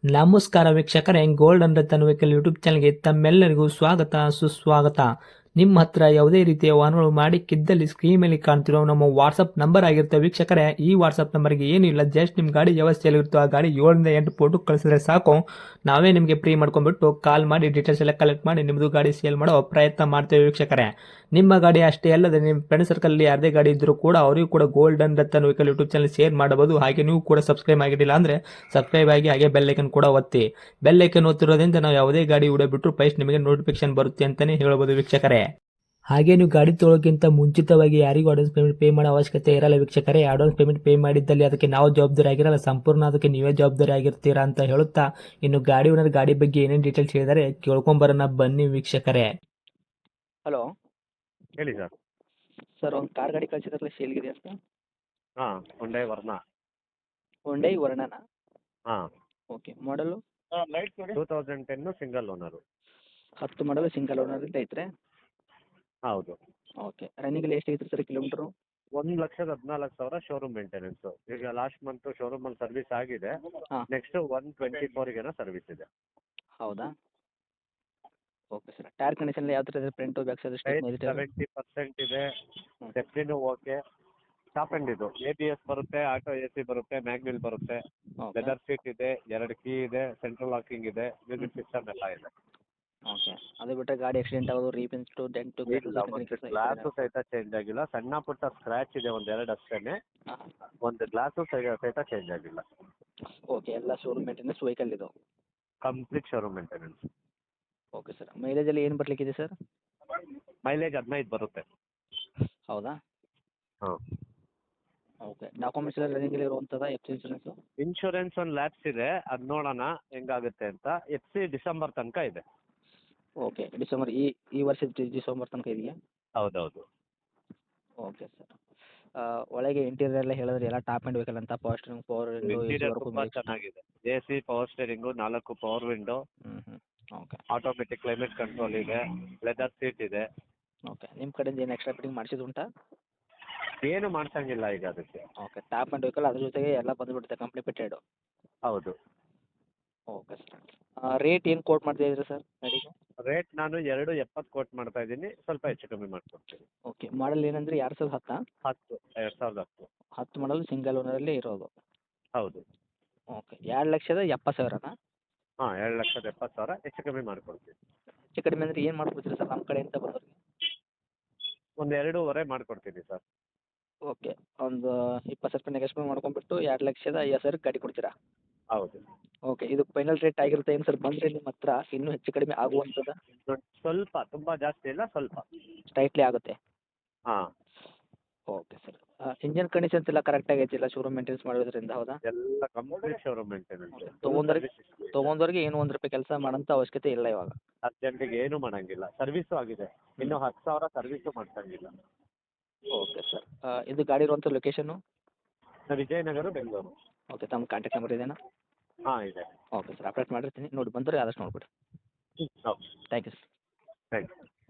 ನಮಸ್ಕಾರ ವೀಕ್ಷಕರೇ, golden Ratan vehicle YouTube ಚಾನಲ್ಗೆ ತಮ್ಮೆಲ್ಲರಿಗೂ ಸ್ವಾಗತ ಸುಸ್ವಾಗತ. ನಿಮ್ಮ ಹತ್ರ ಯಾವುದೇ ರೀತಿಯ ವಾಹನಗಳು ಮಾಡಿಕ್ಕಿದ್ದಲ್ಲಿ ಸ್ಕ್ರೀನ್ ಮೇಲೆ ಕಾಣ್ತಿರೋ ನಮ್ಮ ವಾಟ್ಸಪ್ ನಂಬರ್ ಆಗಿರುತ್ತೆ ವೀಕ್ಷಕರೇ. ಈ ವಾಟ್ಸಪ್ ನಂಬರ್ಗೆ ಏನಿಲ್ಲ, ಜಸ್ಟ್ ನಿಮ್ಮ ಗಾಡಿ ವ್ಯವಸ್ಥೆಯಲ್ಲಿರುತ್ತೋ ಆ ಗಾಡಿ 7 ರಿಂದ 8 ಫೋಟೋ ಕಳಿಸಿದ್ರೆ ಸಾಕು, ನಾವೇ ನಿಮಗೆ ಫ್ರೀ ಮಾಡ್ಕೊಂಡ್ಬಿಟ್ಟು ಕಾಲ್ ಮಾಡಿ ಡೀಟೇಲ್ಸ್ ಎಲ್ಲ ಕಲೆಕ್ಟ್ ಮಾಡಿ ನಿಮ್ಮದು ಗಾಡಿ ಸೇಲ್ ಮಾಡೋ ಪ್ರಯತ್ನ ಮಾಡ್ತೇವೆ ವೀಕ್ಷಕರೇ. ನಿಮ್ಮ ಗಾಡಿ ಅಷ್ಟೇ ಅಲ್ಲದೆ ನಿಮ್ಮ ಫ್ರೆಂಡ್ ಸರ್ಕಲ್ ಯಾರದೇ ಗಾಡಿ ಇದ್ದರೂ ಕೂಡ ಅವರಿಗೂ ಕೂಡ golden Ratan vehicle YouTube channel share ಮಾಡಬಹುದು. ಹಾಗೆ ನೀವು ಕೂಡ ಸಬ್ಸ್ಕ್ರೈಬ್ ಆಗಿರಲಿಲ್ಲ ಅಂದರೆ ಸಬ್ಸ್ಕ್ರೈಬ್ ಆಗಿ ಹಾಗೆ ಬೆಲ್ ಐಕನ್ ಕೂಡ ಒತ್ತಿ. ಬೆಲ್ ಐಕನ್ ಒತ್ತಿರೋದ್ರಿಂದ ನಾವು ಯಾವುದೇ ಗಾಡಿ ವಿಡಿಯೋ ಬಿಟ್ಟರು ಫಸ್ಟ್ ನಿಮಗೆ ನೋಟಿಫಿಕೇಶನ್ ಬರುತ್ತೆ ಅಂತಲೇ ಹೇಳ್ಬೋದು ವೀಕ್ಷಕರೇ. ಹಾಗೆ ನೀವು ಗಾಡಿ ತೊಳೋಕ್ಕಿಂತ ಮುಂಚಿತವಾಗಿ ಯಾರಿಗೂ ಅಡ್ವಾನ್ಸ್ ಪೇಮೆಂಟ್ ಪೇ ಮಾಡೋ ಅವಶ್ಯಕತೆ ಇರಲ್ಲ ವೀಕ್ಷಕರೇ. ಅಡ್ವಾನ್ಸ್ ಪೇಮೆಂಟ್ ಪೇ ಮಾಡಿದ್ದಲ್ಲಿ ಅದಕ್ಕೆ ನಾವು ಜವಾಬ್ದಾರಿ ಆಗಿರಲ್ಲ, ಸಂಪೂರ್ಣ ಅದಕ್ಕೆ ನೀವೇ ಜವಾಬ್ದಾರಿ ಆಗಿರ್ತೀರಾ ಅಂತ ಹೇಳುತ್ತಾ, ಇನ್ನು ಗಾಡಿ ಓನರ್ ಗಾಡಿ ಬಗ್ಗೆ ಏನೇನು ಡೀಟೇಲ್ಸ್ ಹೇಳಿದರೆ ಕೇಳ್ಕೊಂಬರೋಣ ಬನ್ನಿ ವೀಕ್ಷಕರೇ. ಹಲೋ ಹೇಳಿ ಸರ್. ಸರ್, ಒಂದು ಕಾರ್ ಗಾಡಿ ಕಳಿಸಿದ್ರಲ್ಲ, ಸೇಲ್ಗಿದೆ ಅಂತ. ಹಾಂ, ಹೊಂಡೈ ವರ್ಣ. ಹೊಂಡೈ ವರ್ಣನಾ? ಹಾಂ, ಓಕೆ. ಮಾಡಲು 2010 ಸಿಂಗಲ್ ಓನರು. 10 ಮಾಡಲು ಸಿಂಗಲ್ ಓನರ್ ಅಂತ ಐತ್ರಿ. ಹೌದು. ಓಕೆ. ರನ್ನಿಂಗಲ್ಲಿ ಎಷ್ಟು ಐತ್ರಿ ಸರ್ ಕಿಲೋಮೀಟ್ರು? 1,14,000 showroom maintenance. ಈಗ ಲಾಸ್ಟ್ ಮಂತ್ ಶೋರೂಮಲ್ಲಿ ಸರ್ವಿಸ್ ಆಗಿದೆ. ಹಾಂ. ನೆಕ್ಸ್ಟ್ 124 ಸರ್ವಿಸ್ ಇದೆ. ಹೌದಾ? Okay sir. ಟೈರ್ ಕಂಡೀಷನ್ ಯಾವ ಥರ ಇದೆ? Front back side tyre stepney 70% ಇದೆ. ಹ್ಮ್. ಸ್ಟೆಪ್ನಿನೂ ಓಕೆ. ಟಾಪ್ ಎಂಡ್ ಇದು. ABS ಬರುತ್ತೆ, ಆಟೋ AC ಬರುತ್ತೆ, ಮ್ಯಾಗ್ವಿಲ್ ಬರುತ್ತೆ, ಓಕೆ. ಲೆದರ್ ಸೀಟ್ ಇದೆ, 2 ಕೀ ಇದೆ, ಸೆಂಟ್ರಲ್ ಲಾಕಿಂಗ್ ಇದೆ, ಮ್ಯೂಸಿಕ್ ಸಿಸ್ಟಮ್ ಎಲ್ಲ ಇದೆ. ಓಕೆ. ಅದು ಬಿಟ್ಟರೆ ಗಾಡಿ ಆಕ್ಸಿಡೆಂಟ್ ಆಗೋದು, ರೀಪೆನ್ಸ್ಟು, ಡೆಂಟು, ಇಲ್ಲ, ಒಂದು ಗ್ಲಾಸು ಸಹಿತ ಚೇಂಜ್ ಆಗಿಲ್ಲ. ಸಣ್ಣ ಪುಟ್ಟ ಸ್ಕ್ರ್ಯಾಚ್ ಇದೆ, 1-2 ಅಷ್ಟೇನೆ. ಹಾಂ. ಒಂದು ಗ್ಲಾಸು ಸಹಿತ ಚೇಂಜ್ ಆಗಿಲ್ಲ. ಓಕೆ. ಎಲ್ಲ ಶೋರೂಮ್ ಮೇಂಟೆನೆನ್ಸ್ ವೆಹಿಕಲ್ ಇದು. Complete showroom maintenance. Okay sir. ಮೈಲೇಜಲ್ಲಿ ಏನು ಬರಲಿಕ್ಕಿದೆ ಸರ್? ಮೈಲೇಜ್ 15 ಬರುತ್ತೆ. ಹೌದಾ? ಹಾಂ. ಓಕೆ. ಡಾಕ್ಯುಮೆಂಟ್ಸ್ ಎಲ್ಲ ರನ್ನಿಂಗಲ್ಲಿ ಇರುವಂಥದ್ದು, ಎಫ್ ಸಿ ಇನ್ಶೂರೆನ್ಸು? ಇನ್ಶೂರೆನ್ಸ್ ಒಂದು ಲ್ಯಾಪ್ಸ್ ಇದೆ, ಅದು ನೋಡೋಣ ಹೆಂಗಾಗುತ್ತೆ ಅಂತ. FC ಡಿಸೆಂಬರ್ ತನಕ ಇದೆ. ಓಕೆ. ಡಿಸೆಂಬರ್ ಈ ವರ್ಷದ ಡಿಸೆಂಬರ್ ತನಕ ಇದೆಯಾ? ಹೌದೌದು. Okay sir. ಒಳಗೆ ಇಂಟೀರಿಯರ್ ಎಲ್ಲ ಹೇಳಿದ್ರೆ ಎಲ್ಲ ಟಾಪ್ ಆ್ಯಂಡ್ ವೆಹಿಕಲ್ ಅಂತ, power steering, power window, interior ತುಂಬ ಚೆನ್ನಾಗಿದೆ. AC, power steering, 4 power window, okay. Automatic climate control ಇದೆ, ಲೆದರ್ ಸೀಟ್ ಇದೆ. ಓಕೆ. ನಿಮ್ಮ ಕಡೆಯಿಂದ ಏನು ಎಕ್ಸ್ಟ್ರಾ ಫಿಟ್ಟಿಂಗ್ ಮಾಡಿಸಿದ್ದು ಉಂಟಾ? ಏನು ಮಾಡ್ಸಂಗಿಲ್ಲ ಈಗ ಅದಕ್ಕೆ. ಓಕೆ. ಟಾಪ್ ಆ್ಯಂಡ್ ವೆಹಿಕಲ್ ಅದ್ರ ಜೊತೆಗೆ ಎಲ್ಲ ಬಂದುಬಿಡುತ್ತೆ, ಕಂಪ್ನಿ ಫಿಟ್ಟೆಡು. ಹೌದು. Okay sir. ರೇಟ್ ಏನು ಕೋಟ್ ಮಾಡ್ತಾ ಇದ್ದೀರಾ ಸರ್ ಗಾಡಿಗೆ? ರೇಟ್ ನಾನು 2.70 ಕೋಟ್ ಮಾಡ್ತಾ ಇದ್ದೀನಿ, ಸ್ವಲ್ಪ ಹೆಚ್ಚು ಕಮ್ಮಿ ಮಾಡ್ಕೊಡ್ತೀನಿ. ಓಕೆ. ಮಾಡಲ್ ಏನಂದ್ರೆ 2010? 10, 2010. 10 ಮಾಡಲ್ ಸಿಂಗಲ್ ಓನರಲ್ಲಿ ಇರೋದು. ಹೌದು. ಓಕೆ. 2,70,000ನಾ? ಹಾಂ, 2,70,000 ಹೆಚ್ಚು ಕಮ್ಮಿ ಮಾಡ್ಕೊಡ್ತೀನಿ. ಹೆಚ್ಚು ಕಡಿಮೆ ಅಂದರೆ ಏನು ಮಾಡ್ಕೊಡ್ತೀರಾ ಸರ್ ನಮ್ಮ ಕಡೆಯಿಂದ ಬಂದವ್ರಿಗೆ? ಒಂದು 2.5 ಮಾಡ್ಕೊಡ್ತೀನಿ ಸರ್. ಓಕೆ. ಒಂದು 20,000 ನೆಗೆಶ್ಮೆಂಟ್ ಮಾಡ್ಕೊಂಡ್ಬಿಟ್ಟು 2,50,000 ಗಾಡಿ ಕೊಡ್ತೀರಾ? ಹೌದು. ಓಕೆ. ಇದು ಫೈನಲ್ ರೇಟ್ ಆಗಿರುತ್ತೆ ಏನು ಸರ್? ಬಂದರೆ ನಿಮ್ಮ ಹತ್ರ ಇನ್ನೂ ಹೆಚ್ಚು ಕಡಿಮೆ ಆಗುವಂಥದ್ದು? ಸ್ವಲ್ಪ, ತುಂಬ ಜಾಸ್ತಿ ಇಲ್ಲ, ಸ್ವಲ್ಪ. ಸ್ಲೈಟ್ಲಿ ಆಗುತ್ತೆ. ಹಾಂ. Okay sir. ಇಂಜಿನ್ ಕಂಡೀಷನ್ಸ್ ಎಲ್ಲ ಕರೆಕ್ಟಾಗಿ ಐತಿಲ್ಲ, ಶೋರೂಮ್ ಮೇಂಟೆನೆನ್ಸ್ ಮಾಡೋದ್ರಿಂದ? ಹೌದಾ? ಎಲ್ಲ ಕಂಪ್ಲೀಟ್ ಶೋರೂಮ್ ಮೇಂಟೆನೆನ್ಸ್. ತೊಗೊಂಡವ್ರಿಗೆ ಏನು ₹1 ಕೆಲಸ ಮಾಡೋಂಥ ಅವಶ್ಯಕತೆ ಇಲ್ಲ ಇವಾಗ. ಅರ್ಜೆಂಟಿಗೆ ಏನು ಮಾಡಂಗಿಲ್ಲ. ಸರ್ವಿಸು ಆಗಿದೆ. ಇನ್ನು 10,000 ಸರ್ವಿಸು ಮಾಡ್ಸಂಗಿಲ್ಲ. Okay sir. ಇದು ಗಾಡಿ ಇರುವಂಥ ಲೊಕೇಶನ್ನು? ವಿಜಯನಗರ, ಬೆಂಗಳೂರು. ಓಕೆ. ತಮ್ಮ ಕಾಂಟ್ಯಾಕ್ಟ್ ನಂಬರ್ ಇದೆಯಾ? ಹಾಂ, ಇದೆ. Okay sir. ಅಪ್ಡೇಟ್ ಮಾಡಿರ್ತೀನಿ, ನೋಡಿ ಬಂದರೆ ಆದಷ್ಟು ನೋಡಿಬಿಡಿ. ಹೌದು. Thank you sir. Thank you.